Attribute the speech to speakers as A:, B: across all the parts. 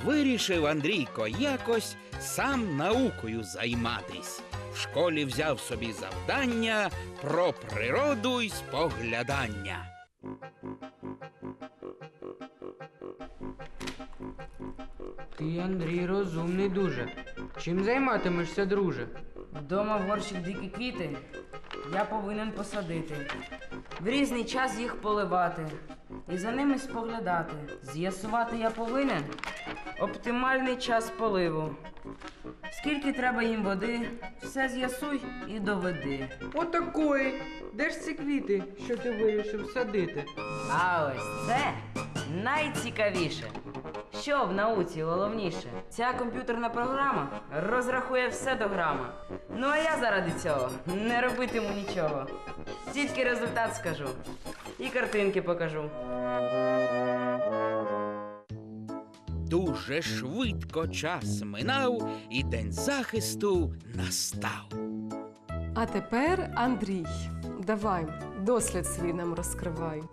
A: Вирішив Андрійко якось сам наукою займатись. В школі взяв собі завдання про природу й споглядання.
B: Ти, Андрій, розумний дуже. Чим займатимешся, друже?
C: Вдома в горщик дикі квіти я повинен посадити. В різний час їх поливати і за ними споглядати. З'ясувати я повинен оптимальний час поливу. Скільки треба їм води, все з'ясуй і доведи.
B: Отакої. Де ж ці квіти, що ти вирішив садити?
C: А ось це найцікавіше. Що в науці головніше? Ця комп'ютерна програма розрахує все до грама. Ну а я заради цього не робитиму нічого. Тільки результат скажу і картинки покажу.
A: Дуже швидко час минав, і день захисту настав.
D: А тепер, Андрій, давай, дослід свій нам розкривай.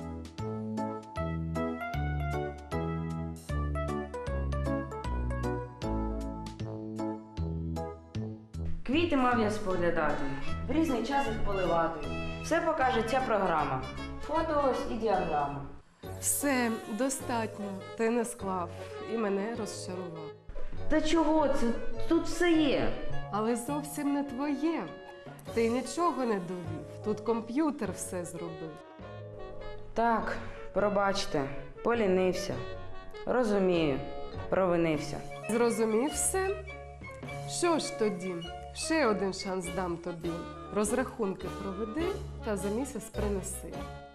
C: Квіти мав я споглядати, в різний час їх поливати. Все покаже ця програма. Фото ось і діаграма.
D: Все, достатньо, ти не склав і мене розчарував.
C: Та чого це? Тут все є.
D: Але зовсім не твоє. Ти нічого не довів, тут комп'ютер все зробив.
C: Так, пробачте, полінився. Розумію, провинився.
D: Зрозумів все? Що ж тоді? Ще один шанс дам тобі. Розрахунки проведи та за місяць принеси.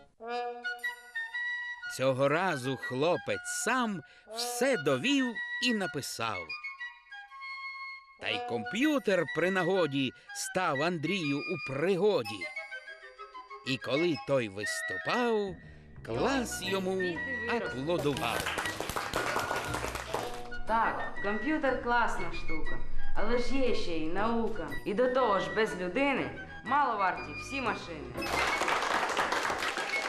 A: Цього разу хлопець сам все довів і написав. Та й комп'ютер при нагоді став Андрію у пригоді. І коли той виступав, клас йому аплодував.
C: Так, комп'ютер класна штука, але ж є ще й наука. І до того ж без людини мало варті всі машини.